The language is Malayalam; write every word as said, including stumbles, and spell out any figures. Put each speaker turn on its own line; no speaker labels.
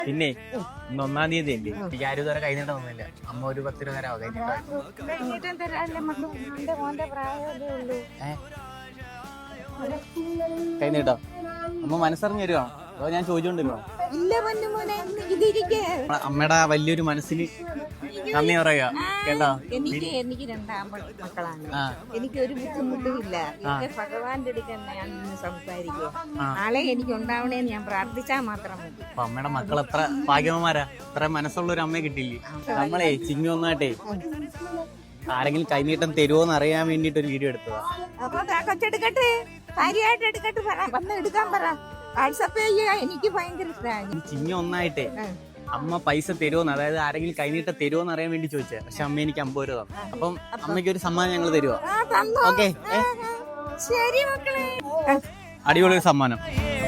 പിന്നെ ഇന്ന് ഒന്നാം തീയതി അല്ലേ, എനിക്ക് ആരും ഇതുവരെ കൈ നീട്ടം ഒന്നുമില്ല. അമ്മ ഒരു പത്ത് രൂപ തരാമോ? കൈ നീട്ടാൻ കൈ നീട്ടോ? അമ്മ മനസ്സറിഞ്ഞ് തരുവാണോ അതോ ഞാൻ ചോദിച്ചോണ്ടിരുന്നോ? അമ്മയുടെ വലിയൊരു മനസ്സിന് നന്ദി പറയുക കേട്ടോ.
എനിക്ക് എനിക്ക് രണ്ടാം മക്കളാണ്. എനിക്ക് ഒരു ബുദ്ധിമുട്ടുമില്ല. എന്റെ ഭഗവാന്റെ അടുക്കൽ ഞാൻ നിന്ന് സംസാരിക്കുക. നാളെ എനിക്ക് ഉണ്ടാവണേന്ന് ഞാൻ പ്രാർത്ഥിച്ചാൽ മാത്രം മതി.
അപ്പൊ അമ്മയുടെ മക്കൾ എത്ര ഭാഗ്യവന്മാരാ, ഇത്ര മനസ്സുള്ള ഒരു അമ്മയെ കിട്ടിയില്ലേ. നമ്മളെ ചിങ്ങി ഒന്നായിട്ടേ ആരെങ്കിലും കൈനീട്ടം തരുമോന്ന് അറിയാൻ വേണ്ടിട്ട് ഒരു വീഡിയോ എടുത്തതാ.
അപ്പൊ കൊച്ചെടുക്കട്ടെ, കാര്യമായിട്ട് എടുക്കട്ടെ, വന്ന് എടുക്കാൻ പറ. വാട്സപ്പ് ചെയ്യുക. എനിക്ക് ഭയങ്കര ഇഷ്ടമാണ്.
ചിങ്ങി ഒന്നായിട്ടേ അമ്മ പൈസ തരുമോന്ന്, അതായത് ആരെങ്കിലും കൈനീട്ടം തരുമോന്ന് അറിയാൻ വേണ്ടി ചോദിച്ചേ. പക്ഷെ അമ്മ എനിക്ക് അമ്പത് രൂപ തന്നു. അപ്പം അമ്മയ്ക്ക് ഒരു സമ്മാനം ഞങ്ങൾ തരുമോ? ഓക്കെ,
ശരി മക്കളെ,
അടിപൊളി ഒരു സമ്മാനം.